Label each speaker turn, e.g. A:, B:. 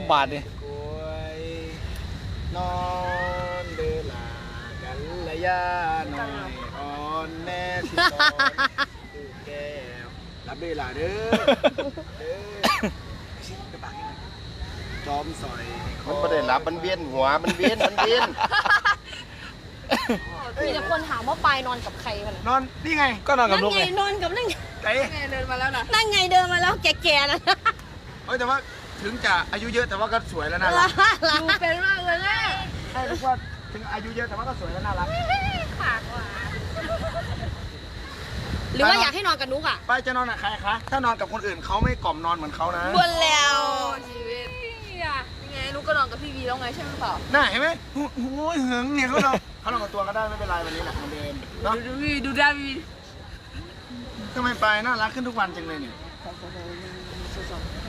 A: บาทนี่
B: นอนเดือลากันระยะหน่อยอ่อนแน่สิตอนดูแก้วรับเดือลาเด้อเด้อจอมสอย
C: มันไม่ได้รับมันเวียนหัวมันเวียน
D: มีแต่คนถามว่าปายนอนกับใครกัน
B: นอนนี่ไง
A: ก็นอนกับ
D: นั่ง
A: ลูก
D: ไง
A: ไง
D: นอนกับนั่งไง
B: ไก่
E: เดินมาแล้วนะ
D: นั่งไงเดินมาแล้วแก่ๆนะ
B: เฮ้ยแต่ว่าถึงจะอายุเยอะแต่ว่าก็สวยแล้วน่ารัก
E: ดูเป็นมากเลยแม่
B: ใช่รู้ว่าถึงอายุเยอะแต่ว่าก็สวยและน่ารัก
E: ปากหวาน
D: หรือว่าอยากให้นอนกับนุกอ่ะ
B: ไปจะนอนกับใครคะถ้านอนกับคนอื่นเขาไม่กล่อมนอนเหมือนเขานะ
D: บนแล้ว
E: ชีวิตยังไงนุกก็นอนกับพี่วีแล้วไงใช่ไหมเปล่า
B: น่าเห็นไหมโอ้โหหึงเนี่ยเขานอนกับตัวก็ได้ไม่เป็นไรวันนี้แหละเหมือนเดิมเนาะ
E: ดูวีดูได้วี
B: ทำไมไปน่ารักขึ้นทุกวันจังเลยเนี่ย